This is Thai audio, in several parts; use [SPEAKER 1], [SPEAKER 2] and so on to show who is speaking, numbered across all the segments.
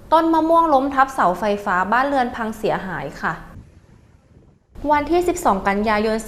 [SPEAKER 1] ต้นมะม่วงล้มทับเสาไฟฟ้าบ้านเรือนพังเสียหายค่ะวันที่ 12 กันยายน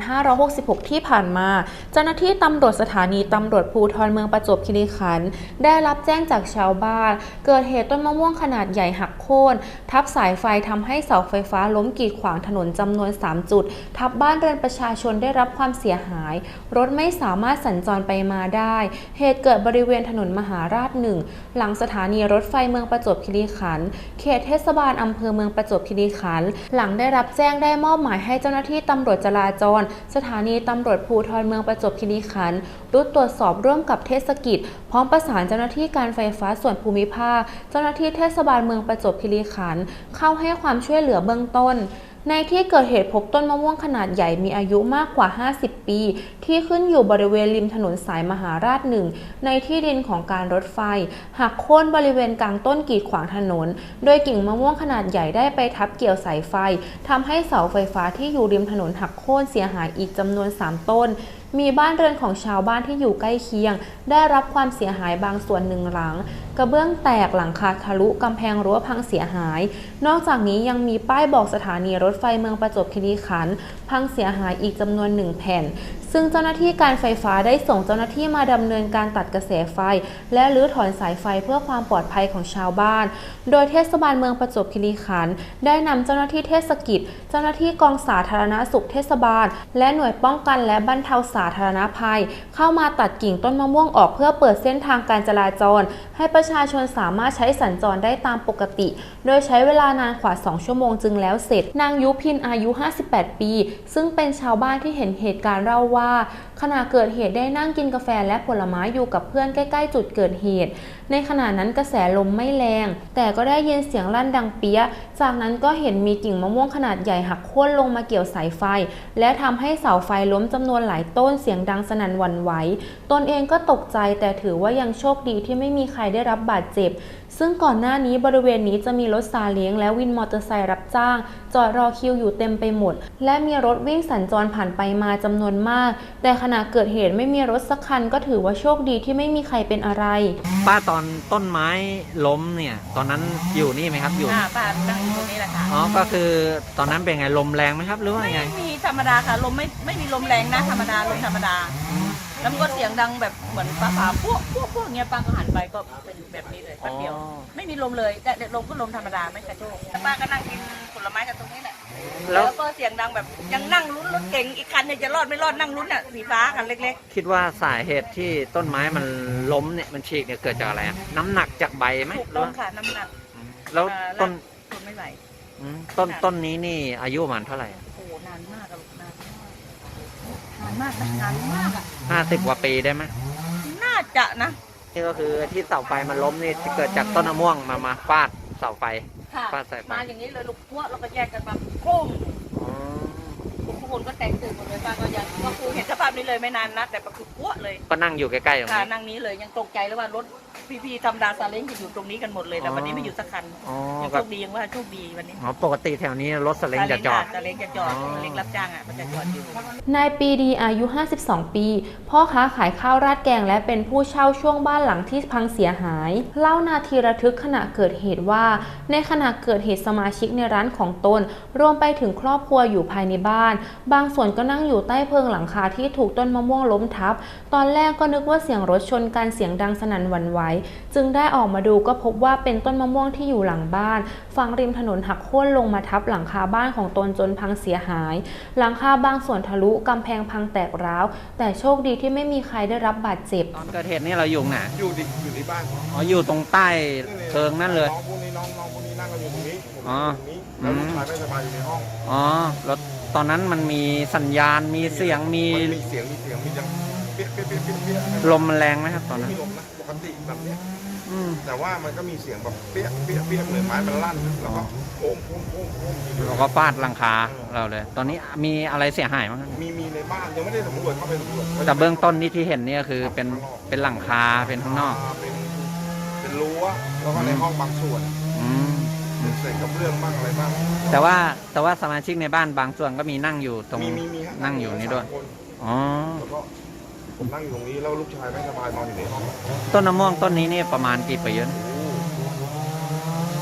[SPEAKER 1] 2566 ที่ผ่านมาเจ้าหน้าที่ตำรวจสถานีตำรวจภูธรเมืองประจวบคีรีขันธ์ได้รับแจ้งจากชาวบ้านเกิดเหตุต้นมะม่วงขนาดใหญ่หักโค่นทับสายไฟทำให้เสาไฟฟ้าล้มกีดขวางถนนจำนวน 3 จุดทับบ้านเรือนประชาชนได้รับความเสียหายรถไม่สามารถสัญจรไปมาได้เหตุเกิดบริเวณถนนมหาราช 1 หลังสถานีรถไฟเมืองประจวบคีรีขันธ์เขตเทศบาลอำเภอเมืองประจวบคีรีขันธ์หลังได้รับแจ้งได้มอบหมายให้เจ้าหน้าที่ตำรวจจราจรสถานีตำรวจภูธรเมืองประจวบคีรีขันธ์รุดตรวจสอบร่วมกับเทศกิจพร้อมประสานเจ้าหน้าที่การไฟฟ้าส่วนภูมิภาคเจ้าหน้าที่เทศบาลเมืองประจวบคีรีขันธ์เข้าให้ความช่วยเหลือเบื้องต้นในที่เกิดเหตุพบต้นมะม่วงขนาดใหญ่มีอายุมากกว่า50 ปีที่ขึ้นอยู่บริเวณริมถนนสายมหาราช 1ในที่ดินของการรถไฟหักโค่นบริเวณกลางต้นกีดขวางถนนโดยกิ่งมะม่วงขนาดใหญ่ได้ไปทับเกี่ยวสายไฟทำให้เสาไฟฟ้าที่อยู่ริมถนนหักโค่นเสียหายอีกจำนวน3ต้นมีบ้านเรือนของชาวบ้านที่อยู่ใกล้เคียงได้รับความเสียหายบางส่วน1หลังกระเบื้องแตกหลังคาทะลุกำแพงรั้วพังเสียหายนอกจากนี้ยังมีป้ายบอกสถานีรถไฟเมืองประจวบคีรีขันธ์พังเสียหายอีกจำนวน1แผ่นซึ่งเจ้าหน้าที่การไฟฟ้าได้ส่งเจ้าหน้าที่มาดำเนินการตัดกระแสไฟและรื้อถอนสายไฟเพื่อความปลอดภัยของชาวบ้านโดยเทศบาลเมืองประจวบคีรีขันธ์ได้นำเจ้าหน้าที่เทศกิจเจ้าหน้าที่กองสาธารณสุขเทศบาลและหน่วยป้องกันและบรรเทาสาธารณภัยเข้ามาตัดกิ่งต้นมะม่วงออกเพื่อเปิดเส้นทางการจราจรให้ประชาชนสามารถใช้สัญจรได้ตามปกติโดยใช้เวลานานกว่า2ชั่วโมงจึงแล้วเสร็จนางยุพินอายุ58 ปีซึ่งเป็นชาวบ้านที่เห็นเหตุการณ์เล่าว่าขณะเกิดเหตุได้นั่งกินกาแฟและผลไม้อยู่กับเพื่อนใกล้ๆจุดเกิดเหตุในขณะนั้นกระแสลมไม่แรงแต่ก็ได้ยินเสียงลั่นดังเปี้ยจากนั้นก็เห็นมีกิ่งมะม่วงขนาดใหญ่หักโค่นลงมาเกี่ยวสายไฟและทำให้เสาไฟล้มจำนวนหลายต้นเสียงดังสนั่นหวั่นไหวตนเองก็ตกใจแต่ถือว่ายังโชคดีที่ไม่มีใครได้รับบาดเจ็บซึ่งก่อนหน้านี้บริเวณนี้จะมีรถซาเล้งและวินมอเตอร์ไซค์รับจ้างจอดรอคิวอยู่เต็มไปหมดและมีรถวิ่งสัญจรผ่านไปมาจำนวนมากแต่ขณะเกิดเหตุไม่มีรถสักคันก็ถือว่าโชคดีที่ไม่มีใครเป็นอะไร
[SPEAKER 2] ป้าตอนต้นไม้ล้มเนี่ยตอนนั้นอยู่นี่ไหมครับอยู่
[SPEAKER 3] ป้านั่งอยู่ตรงนี้แหละค่ะ
[SPEAKER 2] อ๋อก็คือตอนนั้นเป็นไงลมแรงไหมครับหรือว่าไง
[SPEAKER 3] ไม่มีธรรมดาค่ะลมไม่มีลมแรงนะธรรมดาลมธรรมดาแล้วมันก็เสียงดังแบบเหมือนฟ้าพวกเงี้ยป้าก็หันไปก็เป็นแบบนี้เลยแป๊บเดียวไม่มีลมเลยแต่ลมก็ลมธรรมดาไม่กระโชกป้าก็นั่งกินผลไม้กันตรงนี้แหละแล้วก็เสียงดังแบบยังนั่งลุ้นรถเก๋งอีกคันเนี่ยจะรอดไม่รอดนั่งลุ้นอ่ะสีฟ้ากันเล็ก
[SPEAKER 2] ๆคิดว่าสาเหตุที่ต้นไม้มันล้มเนี่ยมันฉีกเนี่ยเกิดจากอะไรน้ำหนักจากใบไหม
[SPEAKER 3] ถูกต้องค่ะน้ำหนัก
[SPEAKER 2] แล้วต้น
[SPEAKER 3] ไม่ไหว
[SPEAKER 2] ต้นนี้นี่อายุประมาณเท่าไหร่
[SPEAKER 3] โอ้นานมากอะนานมาก
[SPEAKER 2] อ่ะ50 กว่าปีได้ไหม
[SPEAKER 3] น่าจะนะ
[SPEAKER 2] นี่ก็คือที่เสาไฟมันล้มนี่เกิดจากต้นมะม่วงมาฟาดเสาไฟ
[SPEAKER 3] ฟาดสายไฟมาอย่างนี้เลยลูกพวกเราก็แยกกันมาโค้งทุกคนก็แตกตื่นหมดเลยป้าก็ยังก็คือเห็นสภาพนี้เลยไม่นานนะแต่ก็คือพวกเลย
[SPEAKER 2] ก็นั่งอยู่ใกล้ๆตรงนี้
[SPEAKER 3] นั่งนี้เลยยังตกใจแล้วว่ารถพี่ๆธรรมดาซาเล้งจะอยู่ตรงนี้กันหมดเลยแต่วันนี้ไม่อยู่สักคันยังโชคดียังว่าโชคดีวันนี้
[SPEAKER 2] ปกติแถวนี้รถซาเล้งจะจอด
[SPEAKER 3] ซาเล้งจะจอดซาเล้งรับจ้างอ่ะมันจะจอดอยู่
[SPEAKER 1] นายปีดีอายุ52 ปีพ่อค้าขายข้าวราดแกงและเป็นผู้เช่าช่วงบ้านหลังที่พังเสียหายเล่านาทีระทึกขณะเกิดเหตุว่าในขณะเกิดเหตุสมาชิกในร้านของตนรวมไปถึงครอบครัวอยู่ภายในบ้านบางส่วนก็นั่งอยู่ใต้เพิงหลังคาที่ถูกต้นมะม่วงล้มทับตอนแรกก็นึกว่าเสียงรถชนกันเสียงดังสนั่นหวั่นไหวจึงได้ออกมาดูก็พบว่าเป็นต้นมะม่วงที่อยู่หลังบ้านฝั่งริมถนนหักโค่นลงมาทับหลังคาบ้านของตนจนพังเสียหายหลังคาบางส่วนทะลุกำแพงพังแตกร้าวแต่โชคดีที่ไม่มีใครได้รับบาดเจ็บ
[SPEAKER 2] ตอนเกิดเหตุนี่เราอยู่ไหน
[SPEAKER 4] อยู่ที่บ้าน
[SPEAKER 2] อ๋ออยู่ตรงใต้เพิงนั่นเลย
[SPEAKER 4] น้องพวกนี้นั่งกันอยู่ตรงนี้
[SPEAKER 2] อ๋อ
[SPEAKER 4] แล้วลูกชายไม่สบายอยู่ในห้อง
[SPEAKER 2] อ๋อแล้วตอนนั้นมันมีสัญญาณมีเสียงมี
[SPEAKER 4] เสียงมีจังเปี้ย
[SPEAKER 2] ลมมันแรงไหมครับตอนนั้น
[SPEAKER 4] มีลมนะปกติแบบนี้แต่ว่ามันก็มีเสียงแบบเปี้ยเหมือนไม้มันลั่นแล้วก็โค้ง
[SPEAKER 2] แล้วก็ฟาดหลังคาเราเลยตอนนี้มีอะไรเสียหายมั้ง
[SPEAKER 4] มีในบ้านยังไม่ได้สำรวจเข้าไปสำรวจ
[SPEAKER 2] แต่เบื้องต้นที่เห็นนี่คือเป็นหลังคาเป็นข้างนอก
[SPEAKER 4] เป็นรั้วแล้วก็ในห้องบางส่วนเศษกระเบื้องบ้างอะไรบ้าง
[SPEAKER 2] แต่ว่าสมาชิกในบ้านบางส่วนก็มีนั่งอยู่ตรงนั่งอยู่นี่ด้วยอ๋อ
[SPEAKER 4] แล้วก็ผมนั่งอยู่ตรงนี้แล้วลูกชายไม่สบายนอนอยู่ในห้อง
[SPEAKER 2] ต้นมะม่วงต้นนี้นี่ประมาณกี่ปีแล้ว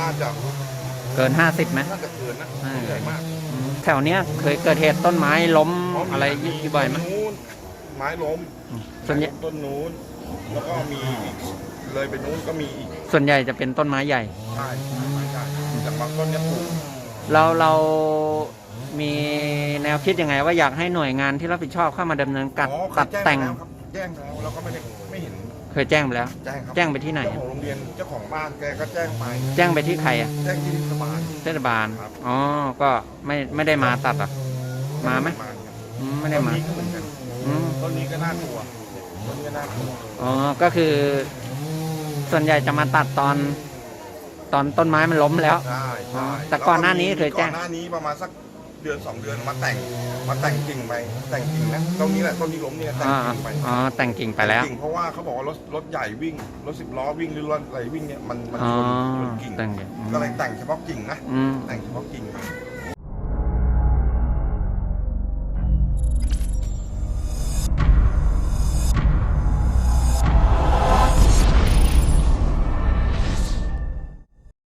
[SPEAKER 4] น่าจะ
[SPEAKER 2] เกิน 50ไหม
[SPEAKER 4] น่าจะเกินนะใหญ่มาก
[SPEAKER 2] แถวเนี้ยเคยเกิดเหตุต้นไม้ล้มอะไรอยู่บ่อยไหม
[SPEAKER 4] นู้นไม้ล้ม
[SPEAKER 2] ส่วนใหญ่
[SPEAKER 4] ต้นนู้นแล้วก็มีอีกเลยไปนู้นก็มีอีก
[SPEAKER 2] ส่วนใหญ่จะเป็นต้นไม้ใหญ่
[SPEAKER 4] ใช่ใช่จากบางต้นเนี่ยปลูก
[SPEAKER 2] เรามีแนวคิดยังไงว่าอยากให้หน่วยงานที่รับผิดชอบเข้ามาดำเนินการ
[SPEAKER 4] อ๋อเค
[SPEAKER 2] ตั
[SPEAKER 4] ย
[SPEAKER 2] ด
[SPEAKER 4] แจ้ง
[SPEAKER 2] แต่ง
[SPEAKER 4] ไปแล้วครับแจ้งแล้วแล้วก็ไม่เห็น
[SPEAKER 2] เคยแจ้งไปแล้ว
[SPEAKER 4] แจ้งครับ
[SPEAKER 2] แจ้งไปที่ไหน
[SPEAKER 4] เจ้าของโรงเรียนเจ้าของบ้านแกก็แจ้งไป
[SPEAKER 2] แจ้งไปที่ใครอ่ะ
[SPEAKER 4] แจ้งที่เทศบาล
[SPEAKER 2] เทศบาล
[SPEAKER 4] ครับ
[SPEAKER 2] อ๋อก็ไม่ได้มาตัดอ่ะมาไหม
[SPEAKER 4] ครับ
[SPEAKER 2] ไม่ได้
[SPEAKER 4] ต้น
[SPEAKER 2] มา
[SPEAKER 4] นี้ก็เหมือนกัน
[SPEAKER 2] อืม
[SPEAKER 4] ต้นนี้ก็น่ากลัวต้นนี้ก็น่ากลัว
[SPEAKER 2] อ๋อก็คือ ส่วนใหญ่จะมาตัดตอนต้นไม้มันล้มแล้ว
[SPEAKER 4] ใช่ใช่
[SPEAKER 2] แต่ก่อนหน้านี้เคยแจ้ง
[SPEAKER 4] ก่อนหน้านี้ประมาณสักเดือน2 เดือนมาแต่งกิ่งไปแต่งกิ่งนะต้นนี้แหละต้นที่ล้มเนี่ยแต่ง
[SPEAKER 2] อ๋อ
[SPEAKER 4] กิ่งไป
[SPEAKER 2] อ๋อแต่งกิ่งไปแล้ว
[SPEAKER 4] ต่งกิ่งเพราะว่าเขาบอกว่ารถใหญ่วิ่งรถ10 ล้อวิ่งหรือรถอะไรวิ่งเนี่ยมัน
[SPEAKER 2] อ๋อ
[SPEAKER 4] ชนกิ่ง
[SPEAKER 2] แต่งกิ่ง
[SPEAKER 4] ก็เลยแต่งเฉพาะกิ่งนะ
[SPEAKER 2] อืม
[SPEAKER 4] แต่งเฉพาะกิ่ง